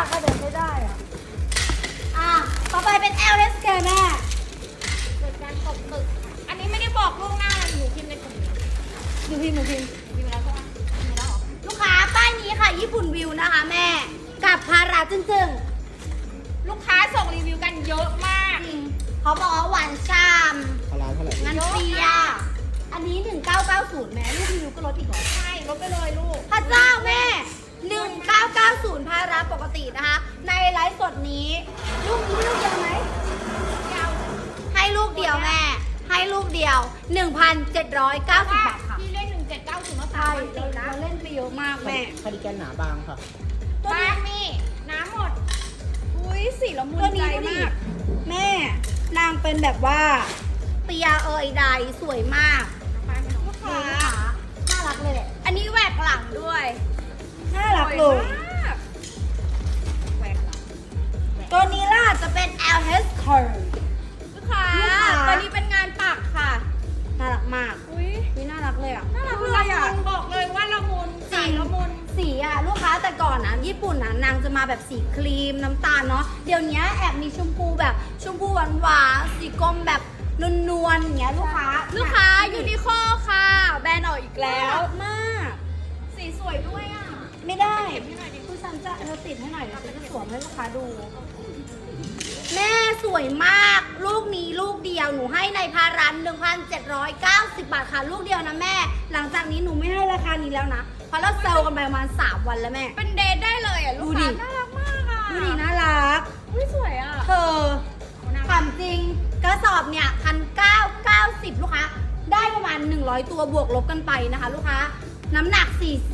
กก็เดี๋ยวไม่ได้อ่ะต่อไปเป็น LSK แม่เกิดการตกหมึกอันนี้ไม่ได้บอกล่วงหน้าเลยหนูพิมพ์ในกลุ่มหนูพิมพ์พิมพ์ไปแล้วใช่ไหมพิมพ์ไปแล้วเหรอลูกค้าป้ายนี้ค่ะญี่ปุ่นวิวนะคะแม่กับพาราจึ้งลูกค้าส่งรีวิวกันเยอะมากๆเขาบอกว่าหวานฉ่พารานเท่าไหร่ำงั้นเปียอันนี้ 1990 แม่ลูกวิวก็ลดอีกเหรอใช่ลดไปเลยลูกพระเจ้าแม่ 1990 พาราปกตินะคะ ในไลฟ์สดนี้ลูกนี้ลูกเดียวไหมยาวให้ลูกเดียวแม่ ให้ลูกเดียว 1,790 บาทค่ะพี่เล่น1790มาใช่ 3วันติดนะเราเล่นไปเยอะมากแม่คาร์ดิแกนหนาบางค่ะบ้านนี่น้ำหมดอุ้ยสีละมุตัวนใจนี้ดูดิมากแม่ นางเป็นแบบว่าเปียใดสวยมากลูกนี่ค้าลูกค้าน่ารักเลยแหละอันนี้แหวกหลังด้วยน่ารักเลยสวมากแหวกหลังตัวนี้ล่ะจะเป็น LH Curve ลูกค้าลูกค้าตัวนี้เป็นงานปักค่ะน่ารักมากอุ้ยนี่น่ารักเลยอ่ะน่ารักเลยอ่ะบอกเลยว่าละมุนใส่ละมุนสีอ่ะลูกค้าแต่ก่อนนะญี่ปุ่นนะนางจะมาแบบสีครีมน้ำตาลเนาะเดี๋ยวนี้แอบมีชมพูแบบชมพูหวานๆสีกรมแบบนวลๆอย่างเงี้ยลูกค้าลูกค้ายูนิโคค่ะ แบรนด์ออกอีกแล้แล้ว วมากสีสวยด้วยอ่ะไม่ได้เก็บให้หน่อยดิคุณฉันจะเธอติดให้หน่อยเดี๋ยวฉันจะสวมให้ลูกค้าดู แม่สวยมากลูกนี้ลูกเดียวหนูให้ในพารัน 1,790 บาทค่ะลูกเดียวนะแม่ หลังจากนี้หนูไม่ให้ราคานี้แล้วนะเพราะเราเซลล์กันไปประมาณ3 วันแล้วแม่เป็นเดทได้เลยอ่ะลูกดูดิค้าน่ารักมากอ่ะดูดิน่ารักอุ้ยสวยอ่ะเธอถามจริงกระสอบเนี่ย1,990 ลูกค้าได้ประมาณ100 ตัวบวกลบกันไปนะคะ ลูกค้าน้ำหนัก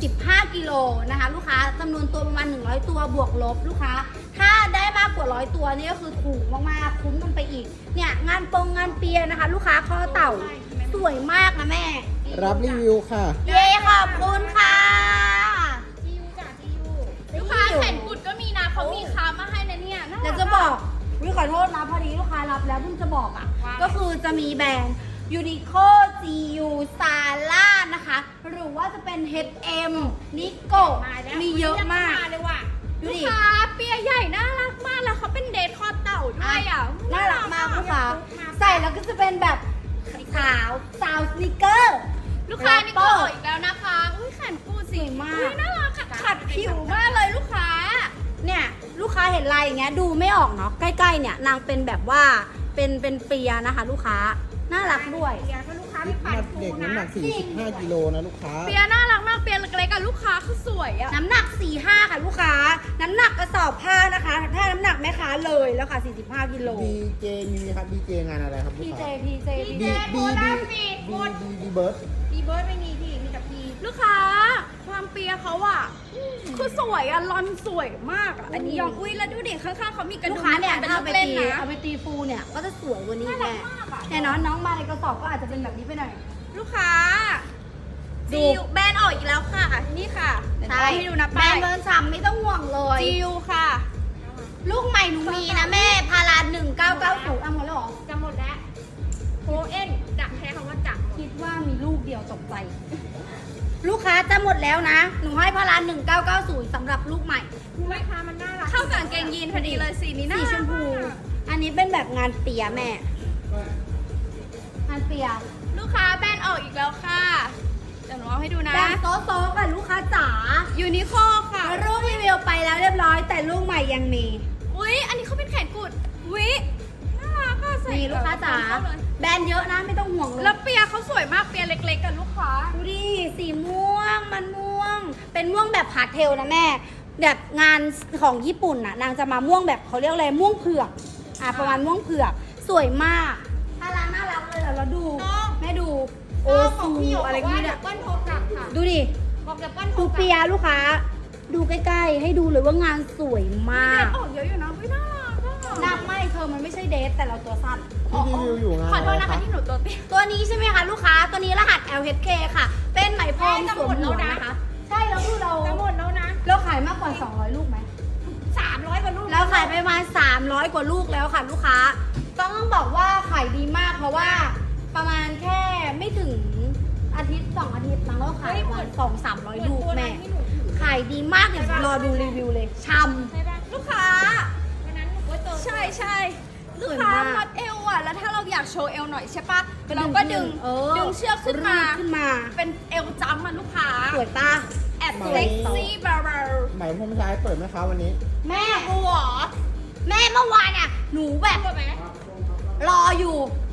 45กิโลนะคะ ลูกค้าจำนวนตัวประมาณ100ตัวบวกลบลูกค้าถ้าได้มากกว่า100ตัวนี่ก็คือถูกมากๆคุ้มกันไปอีกเนี่ยงานงานเปียนะคะ ลูกค้าข้อเต่าสวยมากนะแม่รับรีวิวค่ะเย้ขอบคุณค่ะจิวจ้ะจิวลูกค้าแขนกุดก็มีนะเขามีค้ามาให้นะเนี่ยน่ารัเดี๋ยวจะบอกวิขอโทษนะพอดีลูกค้ารับแล้วเพิ่งจะบอกอ่ะว่าก็คือจะมีแบรนด์ Uniqlo GU Sala นะคะ หรือว่าจะเป็น H&M Nico มีเยอะมากเลยว่ะดูลูกดิค้าเปียใหญ่น่ารักมากแล้วเขาเป็นเดทคอเต่าด้วยอ่ะน่ารักมากลูกค้าใส่แล้วก็จะเป็นแบบขาวสาวสนิเกอร์ลูกค้านี่ก็ออกอีกแล้วนะคะอุ้ยแขนกุดสีสวยมากอุ้ยน่ารักขัดผิวมากเลยลูกค้าเนี่ยลูกค้าเห็นลายอย่างเงี้ยดูไม่ออกเนาะใกล้ๆเนี่ยนางเป็นแบบว่าเป็นเปียนะคะ ลูกค้าน่ารักด้วยเปียถ้าลูกค้าไม่ปัดฟูเด็กน้ำหนันะก 45 กิโลนะลูกค้าเปียน่ารักมากเปียเล็กๆอะลูกค้าคือสวยอะน้ำหนัก 45 ค่ะลูกค้า น้ำหนักกระสอบผ้านะคะ ถ้าน้ำหนักแม่ค้าเลยแล้วค่ะ 45 กิโลดีเจมีครับดีเจงานอะไรครับลูกพีเจค้าพีเจดีพีเจเจโบราณฟีดหมดดีเบิร์ดดีเบิร์ดไม่มีพี่มีแต่พีลูกค้าความเปียเขาอะคือสวยอะลอนสวยมากอะอันนี้ยอมอุ้ยแล้วดูดิข้างๆเขามีกระลูดุกมค้าเนี่ยเป็นถ้าลูเอากไปเล่นตีนะเอาไปตีฟูเนี่ยก็จะสวยกว่านี้น่ารัแม่กมากอะแต่น้องมาในกระสอบก็อาจจะเป็นแบบนี้ไปหน่อยลูกค้าดูจิวแบรนด์ออกอีกแล้วค่ะ นี่ค่ะเดี๋ยวให้ดูนะแบรป้าน ยด์เบิร์นฉ่ำไม่ต้องห่วงเลยจิวค่ะลูกใหม่หนูมีนะแม่ พารา1990เอาหมดแล้วเหรอจะหมดแล้วโคเอ็นจะแค่คำว่าจะคิดว่ามีลูกเดียวตกใจ ลูกค้าจะหมดแล้วนะ หนูให้พารา1990สำหรับลูกใหม่แม่ค้ามันน่ารักเข้ากับกางเกงยีนพอดีเลยสีนี้น่าสีรักชมพู อันนี้เป็นแบบงานเปียแม่ งานเปียลูกค้าแบรนด์ออกอีกแล้วค่ะเดี๋ยวหนูเอาให้ดูนะแบบโต๊ะๆกับลูกค้าจ๋ายูนิโคค่ะลูกรีวิวไปแล้วเรียบร้อย แต่ลูกใหม่ยังมีอุ๊ย อันนี้เขาเป็นแขนกุดอุ๊ยน่ารักอะใส่นี่ลูกค้าจ๋าเข้เลยแบรนด์เยอะนะไม่ต้องห่วงเลยแล้วเปียเขาสวยมากเปียเล็กๆกับลูกค้าดูดิสีม่วงมันม่วง เป็นม่วงแบบพาสเทลนะแม่ แบบงานของญี่ปุ่นน่ะนางจะมาม่วงแบบเขาเรียกอะไรม่วงเผือกประมาณม่วงเผือกสวยมากน่ารักเลยเราดูน้องแม่ดูโอ้โอ้ขอซูงพี่หยกอะไรบอกก็ว่าไม่เดี๋ได้ยวเปิ้ลโทรกลับค่ะดูดิบอกเดี๋ยวเปิ้ลโทรดูกลับเปียลูกค้า ดูใกล้ๆ ให้ดูเลยว่างานสวยมากออกเยอะอยู่นะอุ๊ยน่ารักอะหนักไม่เธอมันไม่ใช่เดทแต่เราตัวสั้นที่รีวิวอยู่งานขอโทษอะไรนะคะที่หนูตัวเตี้ยตัวนี้ใช่ไหมคะลูกค้า ตัวนี้รหัส LHK ค่ะ เป็นไหมพรมจะสหวมมดหัแล้ว วนะนะคะ ใช่แล้วคือเราจะหมดแล้วนะเราขายมากกว่า 200 ลูกไหม 300กว่าลูกเราขายไปประมาณ300 กว่าลูกแล้วค่ะลูกค้า ต้องบอกว่าขายดีมากเพราะว่าประมาณแค่ไม่ถึงอาทิตย์2 อาทิตย์มั้งเราขายประมาณ200-300 ลูกแม่ ขายดีมากเดี๋ยวรอดูรีวิวเลยชใช่ไหมลูกใช่ลูกสวยค้ามากมัดเอวอ่ะแล้วถ้าเราอยากโชว์เอวหน่อยใช่ปะก็ดึงเราก็ดึงเออดึงเชือกขึ้นมาขึ้นมาเป็นเอวจ้ำอ่ะลูกค้าสวยตาแอบเซ็กซี่บาร์ไหมพรมชายเปิดไหมคะวันนี้แม่กูเหรอแม่เมื่อวานอ่ะหนูแบบตัวไหมรออยู่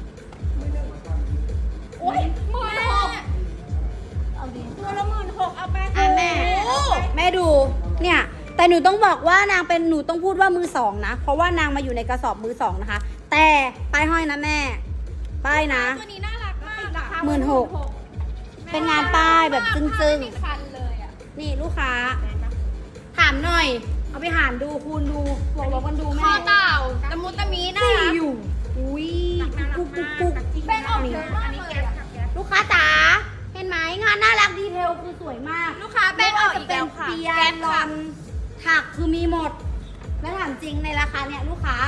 โอ๊ย16,000 เอาดีตัวละ16,000เอาไปอ่ะแม่โอ้แม่ดูเนี่ยแต่หนูต้องบอกว่านางเป็นหนูต้องพูดว่ามือสองนะ เพราะว่านางมาอยู่ในกระสอบมือสองนะคะ แต่ป้ายห้อยนะแม่ ป้ายนะตัวนี้น่ารักมากอะ 16,000 เป็นงานป้ายแบบจึ้งๆไม่มีคันเลยอะนี่ลูกค้า ถามหน่อย เอาไปหารดูคูณดูบวกลบกันดูคแม่อเต่าตะมุตะมีน่าสี่รักอยู่อุ้ยปุ๊กปุ๊กปุ๊กแป้งออกเยอะมากเลยอะลูกค้าจ๋าเห็นไหมงานน่ารักดีเทลคือสวยมากลูกค้าแป้งออกอีกแล้วค่ะไม่ว่าจะเป็นเปียแก๊ปลค่ะอนถักคือมีหมด แล้วถามจริงในราคาเนี่ยลูกค้า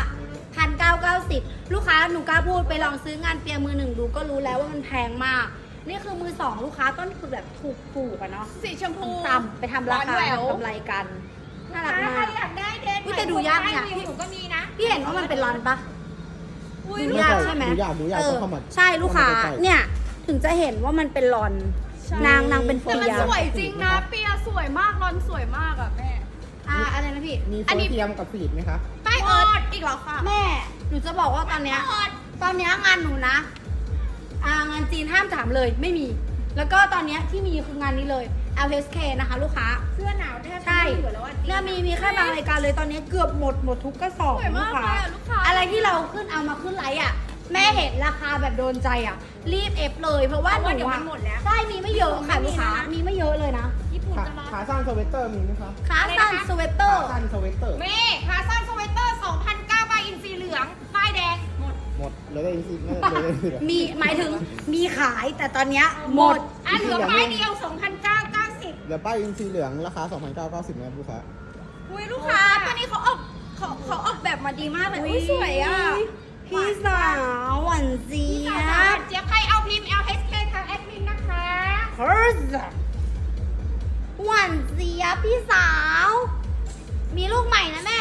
1,990ลูกค้าหนูกล้าพูดไปลองซื้องานเปียมือหนึ่งดูก็รู้แล้วว่ามันแพงมาก นี่คือมือสองลูกค้าต้นคือแบบถูกๆอะเนาะสีชมพูต่ำไปทำราคาร้อนแหววทำกำไรกัน น่ารักมากอยากได้เดทอุ๊ยแต่ดูยากเนี่ยหนูก็มีนะพี่เห็นว่ามันเป็นรอนปะอุ้ยดูลูกยากค้าใช่ไหมดูยากต้องเข้ามาใช่ลูกค้าเข้ามาใกล้ๆเนี่ยถึงจะเห็นว่ามันเป็นรอนใช่นางเป็นเฟีแต่มันยสวยจริงนะ เปียสวยมากรอนสวยมากอะแม่อะไรนะพี่มีอัโฟนนี้เทียมกับฟีดไหมคะป้ายออดอีกเหรอคะแม่ หนูจะบอกว่าตอนเนี้ยงานหนูนะ งานจีนห้ามถามเลยไม่มี แล้วก็ตอนเนี้ยที่มีคืองานนี้เลย LSK นะคะ ลูกค้าเสื้อหนาวแทบใช่ไม่เหลือแล้วอะจริงเนี่ยมีแค่บางรายการเลยตอนนี้เกือบหมดทุกกระสอบสวยมากเลยอะลูกค้าอะไรที่เราขึ้นเอามาขึ้นไลฟ์อ่ะ แม่เห็นราคาแบบโดนใจอ่ะ รีบเอฟเลยเพราะว่าหนูเดี๋ยวมัอ่ะนหมดแล้วใช่มีไม่เยอะค่ะลูกค้ามีไม่เยอะเลยนะญี่ปุ่นขาจะรอขาสั้นสเวตเตอร์มีไหมคะขาสั้นสเวตเตอขาร์สั้นสเวตเตอร์เมขาสั้นสเวตเตอร์2,900ใบอินซีเหลือง ป้ายแดง หมดหมดเหลยได้อีกสิเหลยได้อีกสิมีหมายถึงมีขายแต่ตอนเนี้ยหมดอ่ะเหลือป้ายเดียว2,990 เดี๋ยวป้ายอินซีเหลืองราคา 2,990นะครับลูกค้าอุ้ยลูกค้าตัวนี้เขาออกแบบมาดีมากเลยอุ้ยสวยอ่ะพี่สาวหวานเจี๊ยบเจี๊ยบใครเอาพิมพ์ LHK ทางแอดมินนะคะเฮ้ยหวานเจี๊ยบพี่สาว มีลูกใหม่นะแม่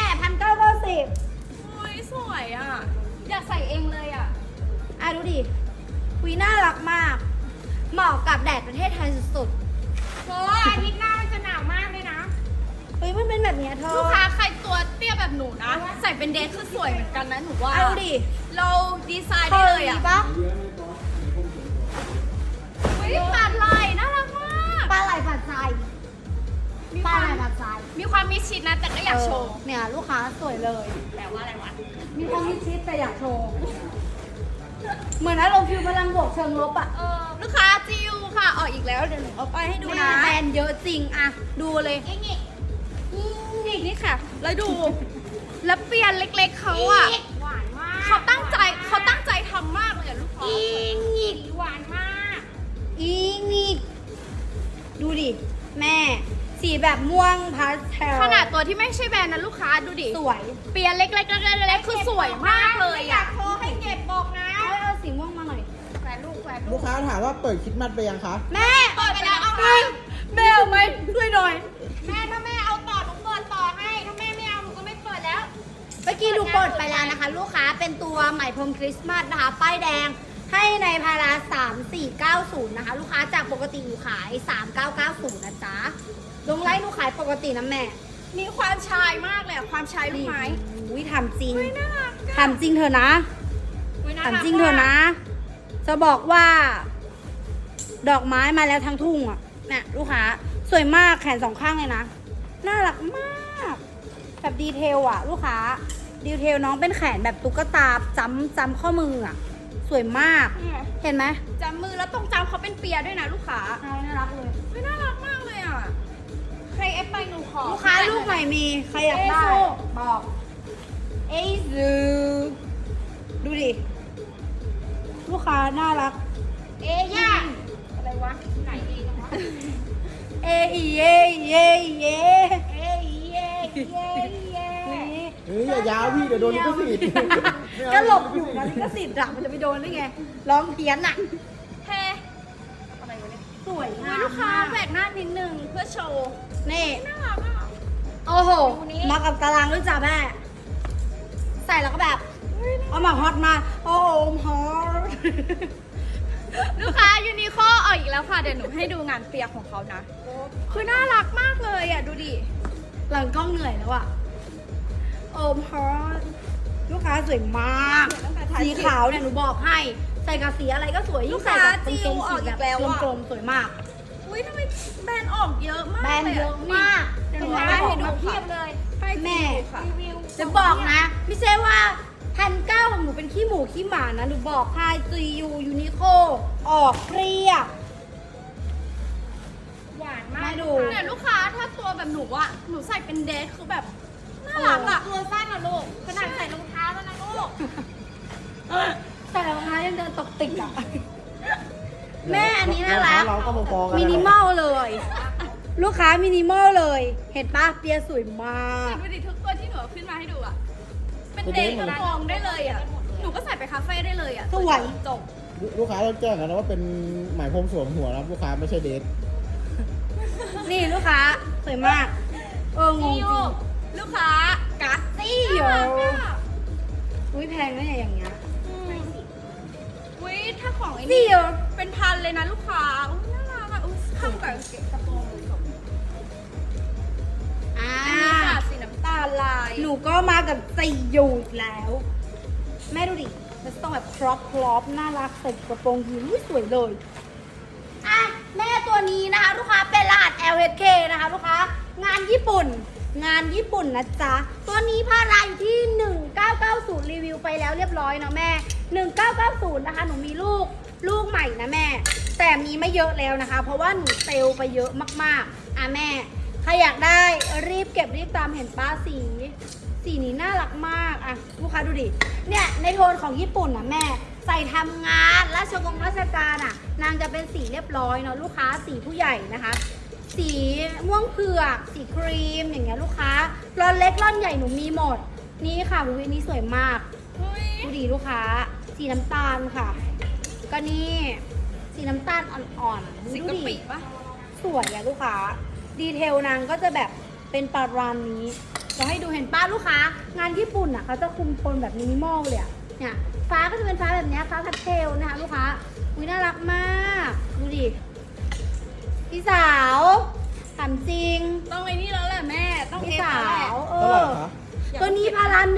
1,990 อุ้ยสวยอ่ะ อยากใส่เองเลยอ่ะดูดิคุยน่ารักมาก เหมาะกับแดดประเทศไทยสุดเธออาทิตย์หน้ามันจะหนาวมากเลยนะๆเฮ้ยมันเป็นแบบเนี้ยเธอลูกค้าใครตัวเตี้ยแบบหนูนะ ใส่เป็นเดทคือสวยเหมือนกันนะหนูว่าเอาดิเราดีไซน์เธได้อเลยดีอ่ะปะอุ้ยปาดลายน่ารักมากปลาไหลผัดไทยมีปคลาวามไหลผัดไทยมีความมิดชิดนะ แต่ก็อยากโชว์เนี่ยลูกค้าสวยเลยแปลว่าอะไรวะมีความมิดชิดแต่อยากโชว์ เหมือนอารมณ์ฟิวพลังบวกเชิงลบอะลูกค้าจิวค่ะ ออกอีกแล้ว เดี๋ยวหนูเอาไปให้ดูดูนะนะแบรนด์เยอะจริงอะดูเลยอีกนี่ค่ะ แล้วดู แล้วเปลี่ยนเล็กๆเขาอ่ะหวานมากเขาตั้งใจทำมากเลยอะลูกค้าอีกหวานมากอีกดูดิ แม่ สีแบบม่วงพาสเทลขนาดตัวที่ไม่ใช่แบรนด์นะลูกค้าดูดิสวยเปลี่ยนเล็กๆคือสวยมากเลยอ่ะโทรให้เก็บบอกนะเอาสีม่วงมาหน่อยแหวนลูกลูกค้าถามว่าเปิดคริดมัดไปยังคะแม่เปิดไปแล้วเอาไปแม่เอาไหมช่วยหน่อยแม่ถ้าแม่เอาต่อหนูเปิดต่อให้ ถ้าแม่ไม่เอาหนูก็ไม่เปิดแล้วเมื่อกี้ดูเปิดไปแล้วนะคะ ลูกค้าเป็นตัวไหมพรมคริสต์มาสนะคะ ป้ายแดงให้ในพารา3490 นะคะ ลูกค้าจากปกติอยู่ขาย 3990 นะจ๊ะ ลงไลน์หนูขายปกตินะแม่มีความชายมากเลยอะความชายลูกไม้อุ้ยทำจริงเฮ้ยน่ารักอะทำจริงเถอะนะอุ๊ยน่าถามกจริงเถอะนะ จะบอกว่า ดอกไม้มาแล้วทั้งทุ่งอ่ะเนี่ยลูกค้าสวยมากแขนสองข้างเลยนะ น่ารักมากแบบดีเทลอ่ะ ลูกค้า ดีเทลน้องเป็นแขนแบบตุ๊กตาจำข้อมืออ่ะ สวยมากเนี่ยเห็นไหมจำมือแล้วตรงจำเขาเป็นเปียด้วยนะลูกค้าใช่น่ารักเลยเฮ้ยน่ารักมากเลยอ่ะ ใครเอฟไปหนูขอลูกค้าลูกใหม่มีใครอยากได้เอซูบอกเอซูดูดิ ลูกค้าน่ารักเอย่าอะไรวะไหนเองวะเอเยเยเยเอ้ยเย่เย่เย่เฮ้ยอย่ายาวพี่เดี๋ยวโดนลิขสิทธิ์ไม่เอาก็หลบอยู่นะลิขสิทธิ์อะมันจะไปโดนได้ไง ร้องเพี้ยนอะเฮ้อะไรวะเนี่ยสวยอุ๊งาย มลูกค้าแหวกหน้านิดนึงเพื่อโชว์นี่น่ารักอ่ะโอ้โหดูนี่มากับตารางด้วยจ้ะแม่ ใส่แล้วก็แบบเอามาฮอตมาโอ้ฮอตลูกค้ายูนิโคออกอีกแล้วค่ะเดี๋ยวหนูให้ดูงานเปียของเขานะ คือน่ารักมากเลยอ่ะดูดิหลังกล้องเหนื่อยแล้วอะโอมฮอตลูกค้าสวยมากตั้งแต่ถ่ายสีขาวเนี่ยหนูบอกให้ ใส่กับสีอะไรก็สวยยิ่งใส่กับกางเกงสีแบบกลมๆสวยมากอุ้ยทำไมแบรนด์ออกเยอะมากแบรนด์เยอะมากเดี๋ยวหนูแบรให้นด์ออกดูมาเพีเพียยบบเลยแม่ค่ะจะบอกนะ ไม่ใช่ว่า1,900ของหนูเป็นขี้หมูขี้หมานะหนูบอกพายซียูยูนิโคออกเปรี้ยหวานมากมาดูเนี่ยลูกค้าถ้าตัวแบบหนูอ่ะหนูใส่เป็นเดทคือแบบน่ารักอ่ะตัวสั้นอะลูกขนาดใส่รองเท้าแล้วนะลูกใส่รองเท้ายังเดินตกติกอะแม่อันนี้น่ารักเราก็มาฟ้องกันมินิมอลเลย ลูกค้ามินิมอลเลย เห็นปะเปียสวยมากดูดิทุกตัวที่หนูเอาขึ้นมาให้ดูอ่ะเป็นเดทกระโปรงได้เลยอ่ะหนูก็ใส่ไปคาเฟ่ได้เลยอ่ะสวยจบลูกค้าเราแจ้งกันนะว่าเป็นหมายพรมสวมหัวนะครับลูกค้าไม่ใช่เดทนี่ลูกค้าสวยมากงงจริงลูกค้ากัสซี่โยอุ้ยแพงนะเนี่ยอย่างเงี้ยอุ้ยถ้าของไอ้ซี่นี่โยเป็นพันเลยนะลูกค้าอุ้ยน่ารักอ่ะอุ้ยเข้ากับกระโปรงเลยจบอ่าอันนี้ค่ะสีน้ำตาลลายหนูก็มากับซี่โยอีกแล้ว แม่ดูดิมันต้องแบบครอปน่ารักใส่กระโปรงยีนอุ้ยสวยเลย อ่ะแม่ตัวนี้นะคะลูกค้าเป็นรหัส LHK นะคะลูกค้างานญี่ปุ่นนะจ๊ะตัวนี้พาราอยู่ที่ 1990 รีวิวไปแล้วเรียบร้อยเนาะแม่ 1990 นะคะหนูมีลูกใหม่นะแม่ แต่มีไม่เยอะแล้วนะคะ เพราะว่าหนูเซลล์ไปเยอะมากๆอ่ะแม่ใครอยากได้รีบเก็บรีบตามเห็นป้าสีนี้น่ารักมากอ่ะลูกค้าดูดิเนี่ยในโทนของญี่ปุ่นนะแม่ ใส่ทำงานราชการอ่ะนางจะเป็นสีเรียบร้อยเนาะลูกค้าสีผู้ใหญ่นะคะ สีม่วงเผือกสีครีมอย่างเงี้ยลูกค้าร่อนเล็กร่อนใหญ่หนูมีหมดนี่ค่ะวินี้สวยมากอุ้ยดูดีลูกค้า สีน้ำตาลค่ะก็นี่สีน้ำตาลอ่อนๆสีดูกะดิปิปะสวยอะลูกค้าดีเทลนางก็จะแบบเป็นประมาณนี้จะให้ดูเห็นป้าลูกค้างานญี่ปุ่นอ่ะเขาจะคุมโทนแบบมินิมอลเลยอะเนี่ยฟ้าก็จะเป็นฟ้าแบบเนี้ยฟ้าพาสเทลนะคะลูกค้าอุ้ยน่ารักมากดูดิพี่สาวถามจริงต้องไอ้นี่แล้วแหละแม่ต้องพี่เอฟสาแล้วแหละวเท่าไหร่คะตัวนี้พารา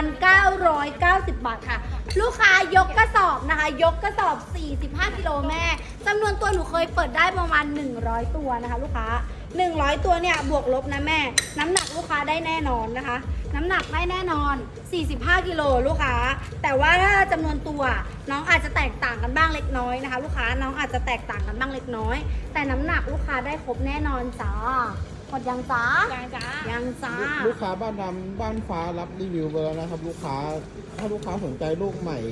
1,990 บาทค่ะ ลูกค้ายกกระสอบนะคะ ยกกระสอบ 45 กิโลแม่จำนวนตัวหนูเคยเปิดได้ประมาณ 100 ตัวนะคะ ลูกค้า 100 ตัวเนี่ยบวกลบนะแม่ น้ำหนักลูกค้าได้แน่นอนนะคะ น้ำหนักได้แน่นอน 45 กิโลลูกค้า แต่ว่าถ้าจำนวนตัวน้องอาจจะแตกต่างกันบ้างเล็กน้อยนะคะ ลูกค้าน้องอาจจะแตกต่างกันบ้างเล็กน้อย แต่น้ำหนักลูกค้าได้ครบแน่นอนจ้าหมดยังจ้าจ้ายังจ้าลูกค้าบ้านดำบ้านฟ้ารับรีวิวไปแล้วนะครับ ลูกค้าถ้าลูกค้าสนใจลูกใหม่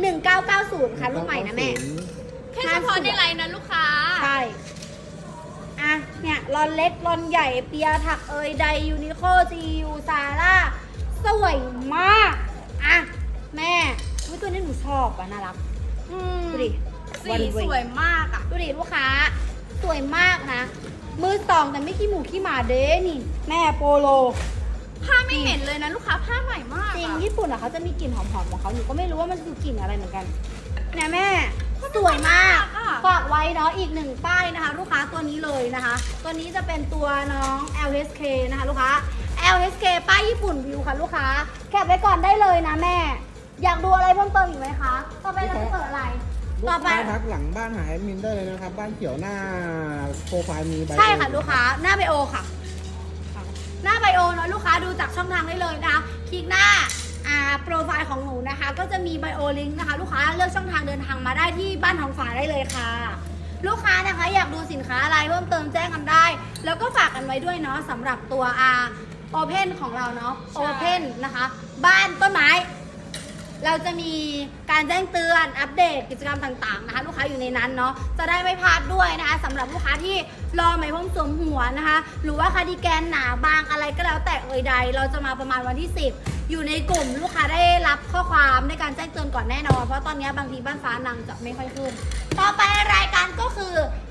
1990 ค่ะลูกใหม่นะแม่แค่เฉพาะในไลน์นะลูกค้าใช่ อ่ะ เนี่ยรอนเล็กรอนใหญ่เปียถักเอยไดยูนิโคจียูซาร่าสวยมาก อ่ะ แม่อุ๊ยตัวนี้หนูชอบอ่ะ น่ารักอืมดูดิสีวันเวสวยมากอ่ะดูดิลูกค้า สวยมากนะ มือสองแต่ไม่ขี้หมูขี้หมาเด้นี่ แม่โปโลผ้าไม่เห็นเลยนะลูกค้าผ้าใหม่มากจริงอะญี่ปุ่นอะเขาจะมีกลิ่นหอมๆของเขาหนูก็ไม่รู้ว่ามันคือกลิ่นอะไรเหมือนกันเนี่ยแม่สวยมากฝากไว้เนาะอีกหนึ่งป้ายนะคะ ลูกค้าตัวนี้เลยนะคะ ตัวนี้จะเป็นตัวน้อง LHK นะคะ ลูกค้า LHK ป้ายญี่ปุ่นวิวค่ะลูกค้าแคปไว้ก่อนได้เลยนะแม่ อยากดูอะไรเพิ่มเติมอีกไหมคะต่อไปเราจะเปิดอะไรลูต่อก ไปค้าทักหลังบ้านหาแอดมินได้เลยนะครับ บ้านเขียวหน้าโปรไฟล์มีใบใช่ค่ะลูกค้าหน้าไบโอค่ะ หน้าไบโอเนาะลูกค้าดูจากช่องทางได้เลยนะคะคลิกหน้าโปรไฟล์ของหนูนะคะ ก็จะมีไบโอลิงก์นะคะ ลูกค้าเลือกช่องทางเดินทางมาได้ที่บ้านทองฝาได้เลยค่ะ ลูกค้านะคะอยากดูสินค้าอะไรเพิ่มเติมแจ้งกันได้ แล้วก็ฝากกันไว้ด้วยเนาะสำหรับตัวโอเพนของเราเนาะโอเพนนะคะ บ้านต้นไม้ เราจะมีการแจ้งเตือนอัปเดตกิจกรรมต่างๆนะคะ ลูกค้าอยู่ในนั้นเนาะจะได้ไม่พลาดด้วยนะคะสำหรับลูกค้าที่รอไหมพรมสวมหัวนะคะ หรือว่าคาร์ดิแกนหนาบางอะไรก็แล้วแต่เอ่ยใด เราจะมาประมาณวันที่ 10 อยู่ในกลุ่มลูกค้าได้รับข้อความในการแจ้งเตือนก่อนแน่นอนเพราะตอนนี้บางทีบ้านฟ้านางจะไม่ค่อยขึ้น ต่อไปรายการก็คือ